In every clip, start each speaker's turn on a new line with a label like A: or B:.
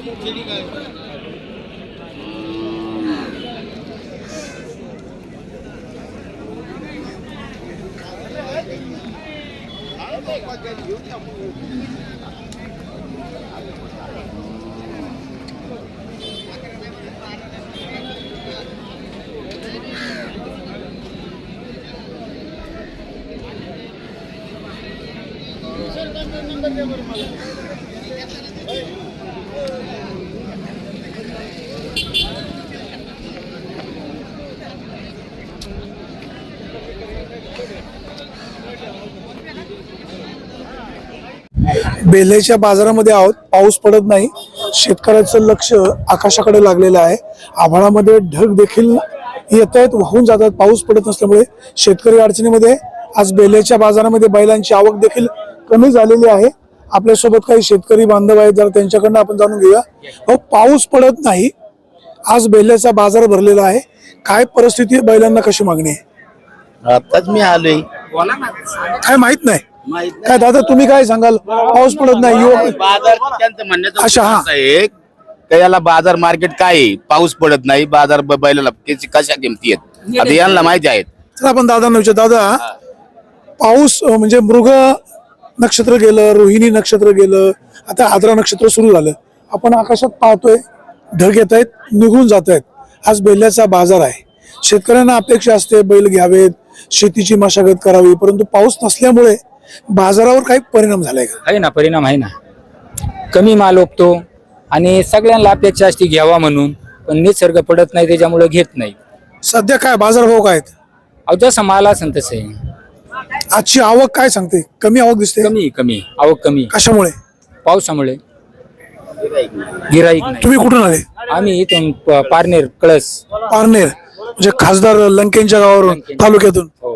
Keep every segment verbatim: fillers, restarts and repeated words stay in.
A: बेल्ह्याच्या बाजारामध्ये आहोत. पाऊस पडत नाही, शेतकऱ्याचं लक्ष आकाशाकडे लागलेलं आहे. आभाळामध्ये ढग देखील येत आहेत, वाहून जातात. पाऊस पडत नसल्यामुळे शेतकरी अडचणीमध्ये. आज बेल्ह्याच्या बाजारामध्ये बैलांची आवक देखील कमी झालेली आहे. आपल्यासोबत काही शेतकरी बांधव आहेत, जरा त्यांच्याकडनं आपण जाणून घेऊया. हो, पाऊस पडत नाही, आज बेल्ह्याचा बाजार भरलेला आहे. काय परिस्थिती आहे, बैलांना कशी मागणी आहे?
B: आताच मी आलोय.
A: काय माहित नाही काय दादा, तुम्ही काय सांगाल? पाऊस पडत नाही,
B: बाजार त्यांचं म्हणण्याचं
A: अच्छा, हा.
B: आहे का याला बाजार मार्केट काय आहे? पाऊस पडत नाही, बाजार ब- बैलाला त्याची कशा किमती आहेत आता यांना माहिती आहेत.
A: तर आपण दादांना विचार, दादा पाऊस अं, म्हणजे मृग नक्षत्र गेलं, रोहिणी नक्षत्र गेलं, आता आद्रा नक्षत्र सुरू झालं. आपण आकाशात पाहतोय ढग येत आहेत, निघून जात आहेत. आज बेल्ह्याचा बाजार आहे. शेतकऱ्यांना अपेक्षा असते बैल घ्यावेत, शेतीची मशागत करावी, परंतु पाऊस नसल्यामुळे बाजारावर काही परिणाम झालाय का?
C: आहे ना, परिणाम आहे ना. कमी माल ओपतो आणि सगळ्यांना अपेक्षा असते घ्यावा म्हणून, पण निसर्ग पडत नाही त्याच्यामुळे घेत नाही.
A: सध्या काय बाजार भाव काय आहेत?
C: अहो जसं माल असेल तसं आहे.
A: आजची आवक काय सांगते? कमी आवक दिसते.
C: कमी कमी आवक कमी,
A: कशामुळे?
C: पावसामुळे. गिराईक नाही.
A: तुम्ही कुठून आले?
C: आम्ही इथून प- पारनेर कळस.
A: पारनेर म्हणजे खासदार लंकेंच्या गावावरून, तालुक्यातून.
C: हो.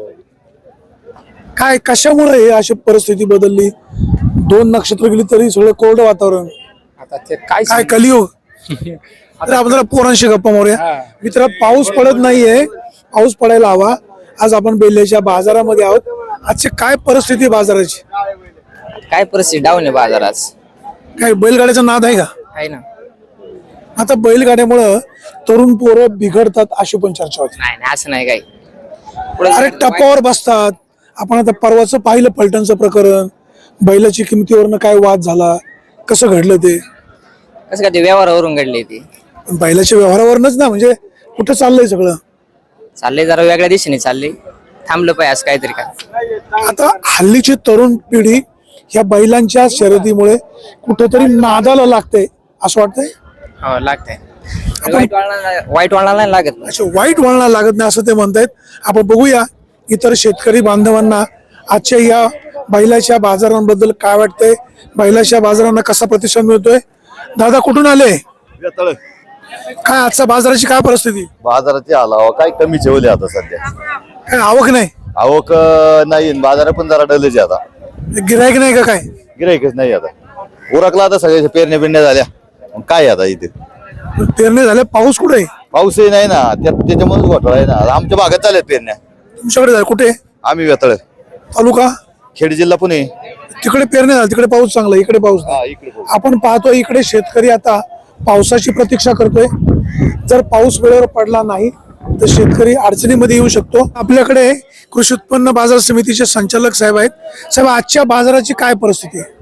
A: काय कशामुळे हे अशी परिस्थिती बदलली? दोन नक्षत्र गेली तरी सगळं कोरडं वातावरण.
C: आता ते काय
A: काय कलियुग? तर आपण जरा पोरांशी गप्पा मारूया.
C: हा.
A: मित्र, पाऊस पडत नाहीये, पाऊस पडायला हवा. आज आपण बेल्ह्याच्या बाजारामध्ये आहोत. आजची काय परिस्थिती बाजाराची?
D: काय परिस्थिती डाऊन आहे बाजारात?
A: काय बैलगाड्याचा नाद आहे का?
D: आहे ना.
A: आता बैलगाड्यामुळं तरुण पोरं बिघडतात अशी पण चर्चा होती.
D: नाही नाही असं नाही काही.
A: अरे टपावर बसतात. आपण आता परवाचं पाहिलं फलटणचं प्रकरण, बैलाची किमतीवरनं काय वाद झाला, कसं घडलं ते?
D: कसं काय ते व्यवहारावरून घडले ते?
A: पण बैलाच्या व्यवहारावरनच ना, म्हणजे कुठं चाललंय सगळं?
D: चालले जरा वेगळ्या दिशेने चालले, थांबलं पाहिजे असं काहीतरी का.
A: आता हल्लीची तरुण पिढी ह्या बैलांच्या शर्यतीमुळे कुठेतरी नादाला लागते असं वाटतंय.
D: हो लागतंय. वाईट वळणाला वाईट वळणाला नाही लागत.
A: अच्छा, वाईट वळणाला लागत नाही असं ते म्हणतायत. आपण बघूया इतर शेतकरी बांधवांना आजच्या या बैलाच्या बाजारांबद्दल काय वाटतंय, बैलाच्या बाजारांना कसा प्रतिसाद मिळतोय. दादा कुठून आले? काय आजच्या बाजाराची काय परिस्थिती?
E: बाजाराची आला काय कमी ठेवले आता सध्या.
A: काय आवक नाही?
E: आवक अं, नाही, बाजार पण जरा डलच आता.
A: गिरायक नाही का? काय
E: गिराईकच नाही आता. उरकला आता सगळ्या पेरण्या बिरण्या झाल्या. मग काय आता इथे
A: पेरणी झाले, पाऊस कुठे आहे?
E: पाऊसही नाही ना, त्यात त्याच्यामुळेच घोटाळा आहे ना. आमच्या भागात चालल्या पेरण्या.
A: तुमच्याकडे झाले कुठे?
E: आम्ही वेतळ,
A: तालुका
E: खेड जिल्हा पुणे.
A: तिकडे पेरणी झाली, तिकडे पाऊस चांगला, इकडे पाऊस नाही.
E: हा, इकडे पाऊस.
A: आपण पाहतो इकडे शेतकरी आता पावसाची प्रतीक्षा करतोय. जर पाऊस वेळेवर पडला नाही तर शेतकरी अडचणीमध्ये येऊ शकतो. आपल्याकडे कृषी उत्पन्न बाजार समितीचे संचालक साहेब आहेत. साहेब, आजच्या बाजाराची काय परिस्थिती आहे?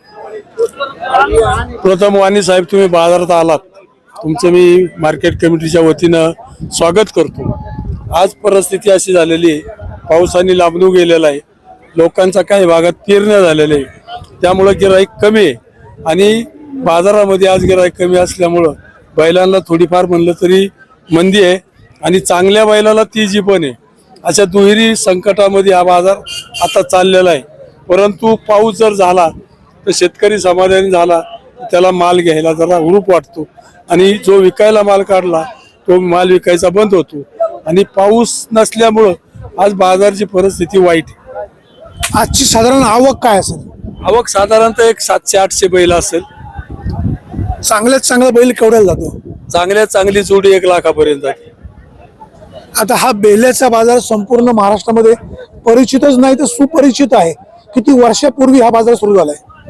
F: प्रथम वाणी साहेब, तुम्ही बाजारात आलात, तुमचं मी मार्केट कमिटीच्या वतीनं स्वागत करतो. आज परिस्थिती अशी झालेली आहे, पावसाने लांबून गेलेला आहे, लोकांचा काही भागात पेरण्या झालेल्या आहे, त्यामुळं गिराईक कमी आहे. आणि बाजारामध्ये आज गिराईक कमी असल्यामुळं बैलांना थोडीफार म्हणलं तरी मंदी आहे आणि चांगल्या बैलाला तेजी पण आहे. अशा दुहेरी संकटामध्ये हा बाजार आता चाललेला आहे. परंतु पाऊस जर झाला तर शेतकरी समाधानी झाला, त्याला माल घ्यायला जरा हुरूप वाटतो आणि जो विकायला माल काढला तो माल विकायचा बंद होतो. आणि पाऊस नसल्यामुळं आज बाजारची परिस्थिती वाईट आहे.
A: आजची साधारण आवक काय असेल?
F: आवक साधारणतः एक सातशे आठशे बैल असेल.
A: चांगल्यात चांगला बैल केवढ्याला जातो?
F: चांगल्यात चांगली जोडी एक लाखापर्यंत जाते.
A: आता हा बेल्ह्याचा बाजार संपूर्ण महाराष्ट्रामध्ये परिचितच नाही तर सुपरिचित आहे. किती वर्षापूर्वी हा बाजार सुरू झालाय?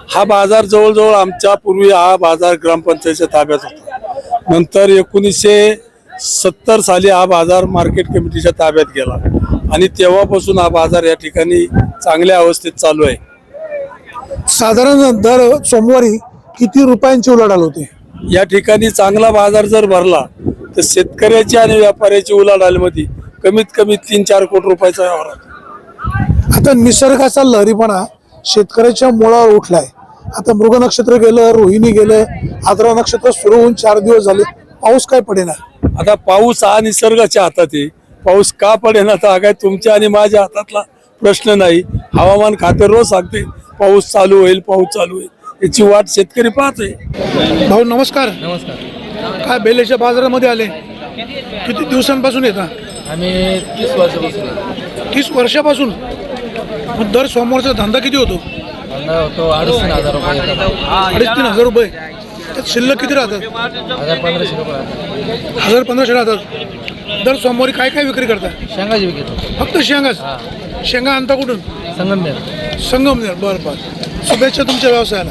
F: हा बाजार जवळजवळ आमच्या पूर्वी हा बाजार ग्रामपंचायतीच्या ताब्यात होता. नंतर एकोणीसशे सत्तर साली हा बाजार मार्केट कमिटीच्या ताब्यात गेला आणि तेव्हापासून हा बाजार या ठिकाणी चांगल्या अवस्थेत चालू आहे.
A: साधारण दर सोमवारी किती रुपयांची उलाढाल होते?
F: या ठिकाणी चांगला बाजार जर भरला तर शेतकऱ्याची आणि व्यापाऱ्याची उलाढालीमध्ये कमीत कमी तीन चार कोटी रुपयाचा व्यवहार होतो.
A: आता निसर्गाचा लहरीपणा शेतकऱ्याच्या मुळावर उठलाय. आता मृग नक्षत्र गेलं, रोहिणी गेलं, आद्रा नक्षत्र सुरू होऊन चार दिवस झाले, पाऊस काय पडेना.
F: आता पाऊस हा निसर्गाच्या हातात आहे. पाऊस का पडेना तर हा काय तुमच्या आणि माझ्या हातातला प्रश्न नाही. हवामान खाते रोज सांगते पाऊस चालू होईल, पाऊस चालू होईल. याची वाट शेतकरी पाहतोय.
A: भाऊ नमस्कार. नमस्कार. काय बेलेच्या बाजारामध्ये आले? किती दिवसांपासून येतात?
G: आम्ही तीस वर्षापासून
A: तीस वर्षापासून. मग दर सोमवारचा धंदा किती होतो?
G: धंदा होतो अडीच तीन हजार रुपये येतात.
A: अडीच तीन हजार रुपये. त्यात शिल्लक किती राहतात?
G: हजार पंधराशे रुपये
A: हजार पंधराशे राहतात. दर सोमवारी काय काय विक्री करता?
G: शेंगाची विकतो.
A: फक्त शेंगाच? शेंगा आणता कुठून?
G: संगमनेर.
A: संगमनेर. बरं बरं. शुभेच्छा तुमच्या व्यवसायाला.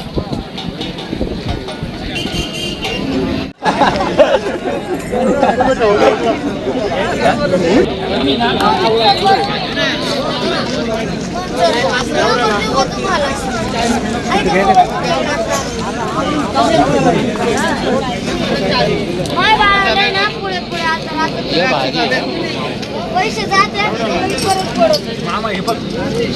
H: पैसे जाते परत पडत मामा हे बघ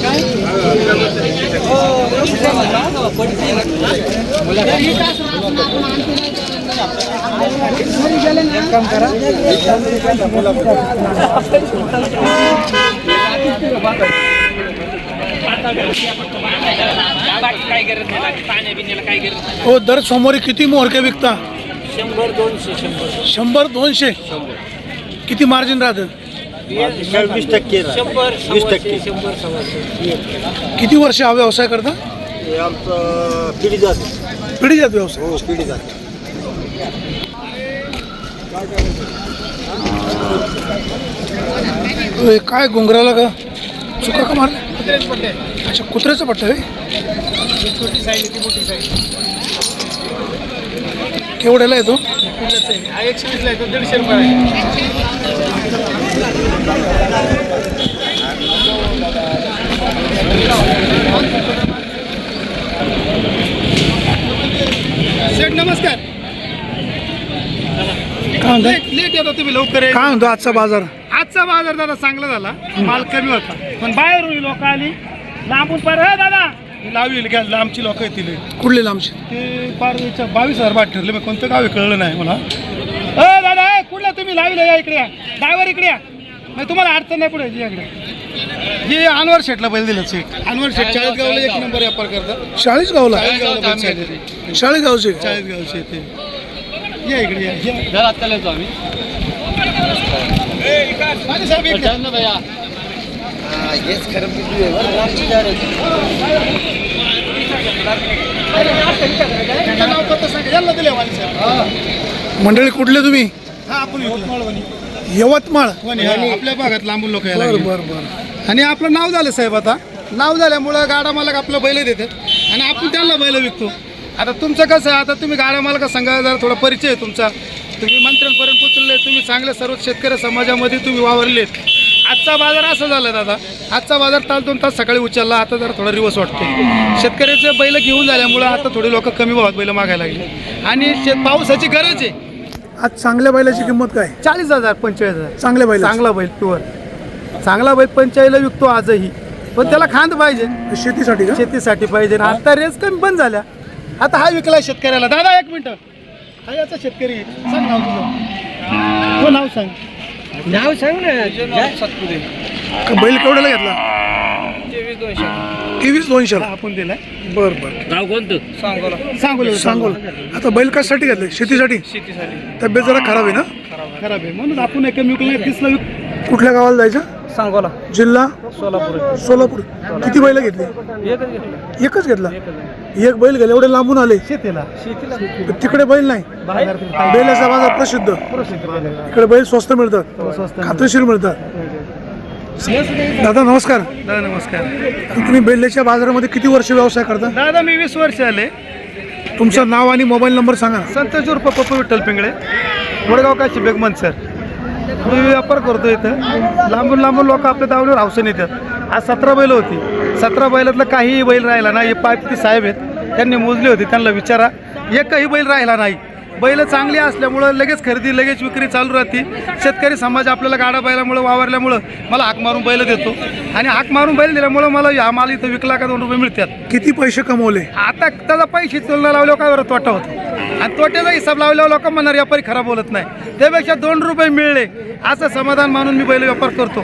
H: काम करा.
A: हो दर सोमवारी किती मोहरके विकता?
G: शंभर दोनशे शंभर
A: शंभर दोनशे. किती मार्जिन राहतं?
G: वीस टक्के शंभर वीस टक्के शंभर सव्वाशे.
A: किती वर्ष हा व्यवसाय करता?
G: आमचं पिढी जाते.
A: पिढी जात व्यवसाय.
G: हो पिढी जाते.
A: होय, काय घुंगराला का चुका का मार? अच्छा कुत्र्याचा पट्टा आहे.
G: छोटी साईज ती मोठी साईज.
A: केवढ्याला येतो?
G: हा एकशे वीसला येतो. दीडशे रुपये.
I: शेठ नमस्कार.
A: काय म्हणता?
I: लेट येतो तुम्ही लवकर.
A: काय म्हणतो आजचा बाजार?
I: आजचा बाजार दादा चांगला झाला. माल कमी होता पण बाहेरून लोक आली लांबून पार. हे दादा लावी घ्या. लांबची लोक येतील.
A: कुठले लांबचे?
I: ते पार बावीस हजार बाट ठरले. मग कोणतं गाव कळलं नाही मला. अ दादा ए, कुठला तुम्ही लावीला या इकडे या. ड्रायव्हर इकडे या. मग तुम्हाला अडचण नाही पुढे इकडे. हे अनवर शेठला बैल दिलं. शेठ अनवर शेठ चाळीसगावला एक नंबर व्यापार करतात.
A: चाळीसगावला?
I: चाळीसगावला
A: चाळीसगावचे.
I: चाळीसगावचे ते या इकडे या.
G: घरात चालतो आम्ही.
I: साहेब इकडे.
G: भैया
I: नाव पत्ता सांगा. यांना दिले वाणी साहेब.
A: मंडळी कुठले तुम्ही?
I: हा आपण यवतमाळ वणी.
A: यवतमाळ.
I: वणी हा, आपल्या भागात लांबून लोक यायला
A: बर
I: लागले.
A: बर बर.
I: आणि आपलं नाव झालं साहेब. आता नाव झाल्यामुळं गाडा मालक आपलं बैल देतात आणि आपण त्यांना बैल विकतो. आता तुमचं कसं आहे? आता तुम्ही गाडा मालका संघा जर थोडा परिचय आहे तुमचा. तुम्ही मंत्र्यांपर्यंत पोचलेले. तुम्ही चांगले सर्व शेतकरी समाजामध्ये तुम्ही वावरलेत. आजचा बाजार असं झाला दादा. आजचा बाजार तास दोन तास सकाळी उचलला. आता जरा थोडा रिवर्स वाटतो. शेतकऱ्याचे बैल घेऊन झाल्यामुळं आता थोडे लोक कमी भावात बैल मागायला लागले आणि शेत पावसाची गरज आहे.
A: आज चांगल्या बैलाची किंमत काय?
I: चाळीस हजार पंचेचाळीस हजार.
A: चांगल्या बैल.
I: चांगला बैल प्युअर चांगला बैल पंचाळीसला विकतो आजही. पण त्याला खांद पाहिजे.
A: शेतीसाठी का?
I: शेतीसाठी पाहिजे. आता रेस कमी बंद झाल्या. आता हा विकला शेतकऱ्याला. दादा एक मिनिट. हा याचा शेतकरी आहे. सांग नाव तुझं. हो नाव सांग.
G: नाव सांग ना.
A: का बैल केवढ्याला घेतला? तेवीस दोनशे.
I: आपण दिलाय.
A: बर बर.
G: नाव कोणतं?
I: सांगोला. सांगोला.
A: सांगोल. आता बैल कशासाठी घेतले? शेतीसाठी.
I: शेतीसाठी.
A: तब्येत जरा खराब आहे ना?
I: खराब आहे म्हणून आपण एक विकला नाही. तीसला विक.
A: कुठल्या गावाला जायचं?
I: सांगोला.
A: जिल्हा
I: सोलापूर.
A: सोलापूर. किती बैल घेतली?
I: एकच घेतला.
A: एकच घेतला. एक बैल गेला. एवढे लांबून आले.
I: शेतीला. शेतीला
A: तिकडे बैल नाही.
I: बाजार
A: बैलाचा बाजार प्रसिद्ध.
I: प्रसिद्ध बैल आहे.
A: इकडे बैल स्वस्त मिळतात.
I: स्वस्त.
A: खात्रीशीर मिळतात. दादा नमस्कार.
I: दादा नमस्कार.
A: तुम्ही बेल्ल्याच्या बाजारामध्ये किती वर्ष व्यवसाय करता?
I: दादा मी वीस वर्ष आले.
A: तुमचं नाव आणि मोबाईल नंबर सांगा.
I: संतोष उर्फ पप्पू विठ्ठल पिंगळे, वडगाव काशी बेगमन सर. मी व्यापार करतो इथं. लांबून लांबून लोक आपल्या दावणीवर हौसेने येतात. आज सतरा बैल होती. सतरा बैलातलं काहीही बैल राहिला नाही. हे पायपती साहेब आहेत, त्यांनी मोजले होते, त्यांना विचारा. एकही बैल राहिला नाही. बैल चांगली असल्यामुळं लगेच खरेदी लगेच विक्री चालू राहते. शेतकरी समाज आपल्याला गाडा बैलामुळं वावरल्यामुळं मला हाक मारून बैल देतो आणि हाक मारून बैल दिल्यामुळं मला हा माल इथं विकला का दोन रुपये मिळतात.
A: किती पैसे कमवले?
I: आता त्याचा पैसे तुलना लावल्यावर काय बरं तोटा होतो आणि तोट्याचा हिसाब लावल्यावर लोक म्हणणार व्यापारी खराब बोलत नाही. त्यापेक्षा दोन रुपये मिळले असं समाधान मानून मी बैल व्यापार करतो.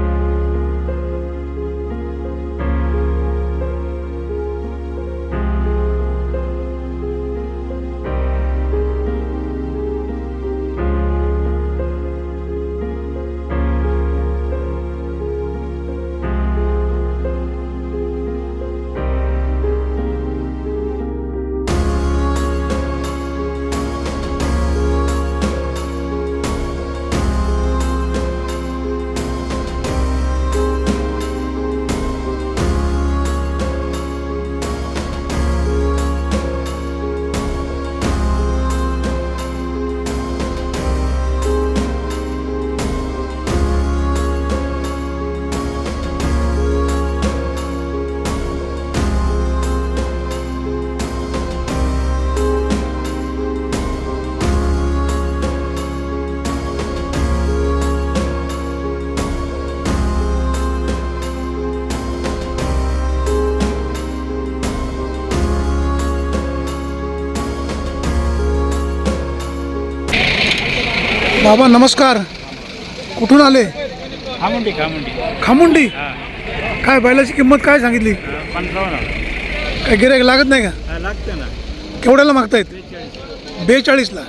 A: बाबा नमस्कार. कुठून आले?
G: खामुंडी खामुंडी
A: खामुंडी. काय बैलाची किंमत काय सांगितली?
G: पंचावन्न
A: काय गिऱ्हाईक लागत नाही का?
G: लागतं ना.
A: केवढ्याला मागतायत? बेचाळीसला.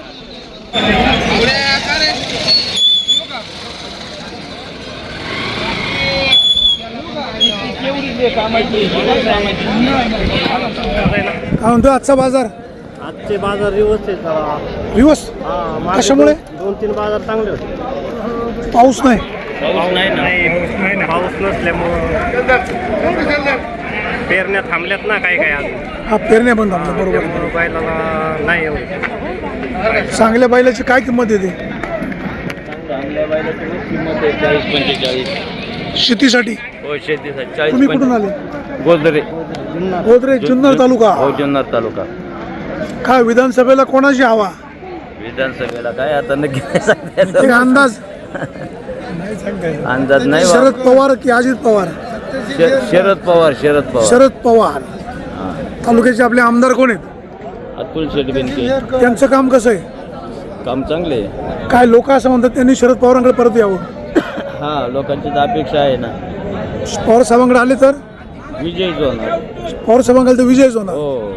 A: काय म्हणतो आजचा बाजार?
G: आजचे बाजार रिवर्स आहे.
A: दिवस कशामुळे?
G: दोन तीन बाजार चांगले होते.
A: पाऊस नाही.
G: पाऊस नाही ना. पाऊस नसल्यामुळं पेरण्या थांबल्यात ना काही काही अजून.
A: हा पेरण्या बंद झाल्या. बरोबर आहे.
G: त्यामुळं बैलाला नाही एवढं.
A: चांगल्या बैलाची काय किंमत येते
G: चांगल्या बैलाची किंमत आहे चाळीस पंचेचाळीस.
A: शेतीसाठी?
G: हो शेतीसाठी चाळीस.
A: तुम्ही कुठून आले?
G: गोदरे
A: गोदरे जुन्नर तालुका.
G: हो जुन्नर तालुका.
A: काय विधानसभेला कोणाची हवा?
G: विधानसभेला काय आता नक्की नाही सांगता येत.
A: एक अंदाज?
G: अंदाज नाही बा.
A: शरद पवार की अजित पवार?
G: श- शरद पवार शरद पवार
A: शरद पवार. तालुक्याचे आपले आमदार कोण आहेत?
G: अतुल शेठ बेनके.
A: त्यांचं काम कसं आहे?
G: काम चांगले आहे.
A: काय लोक असं म्हणतात त्यांनी शरद पवारांकडे परत यावं.
G: हा लोकांची तर अपेक्षा आहे ना.
A: पवार साहेबांकडे आले तर
G: विजय होणार.
A: पवार साहेबांकडे तर विजयच होणार.
G: हो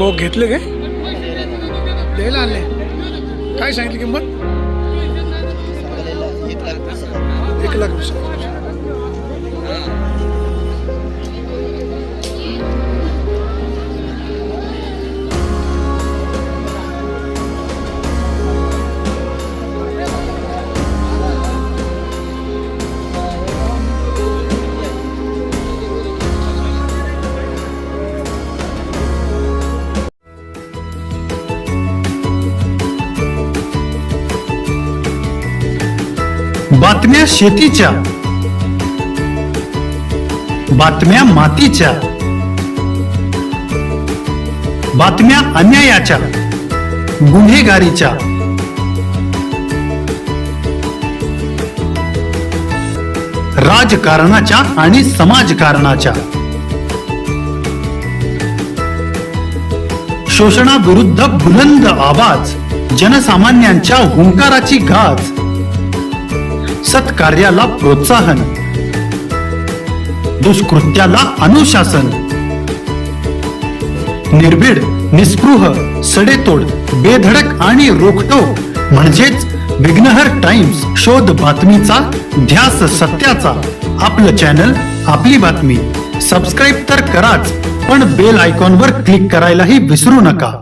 A: भाऊ घेतले काय द्यायला आणले काय सांगितली किंमत एक लाख वीस हजार.
J: बातम्या शेतीच्या, बातम्या मातीच्या, बातम्या अन्यायाच्या, गुन्हेगारीच्या, राजकारणाच्या आणि समाजकारणाच्या, शोषणाविरुद्ध बुलंद आवाज, जनसामान्यांच्या हुंकाराची गाज, सत्कार्याला प्रोत्साहन, दुष्कृत्याला अनुशासन, निर्भीड, निस्पृह, सडेतोड, बेधडक आणि रोखटोक म्हणजेच विघ्नहर टाइम्स. शोध बातमीचा, ध्यास सत्याचा. आपलं चॅनल, आपली बातमी. सबस्क्राईब तर कराच, पण बेल आयकॉनवर क्लिक करायलाही विसरू नका.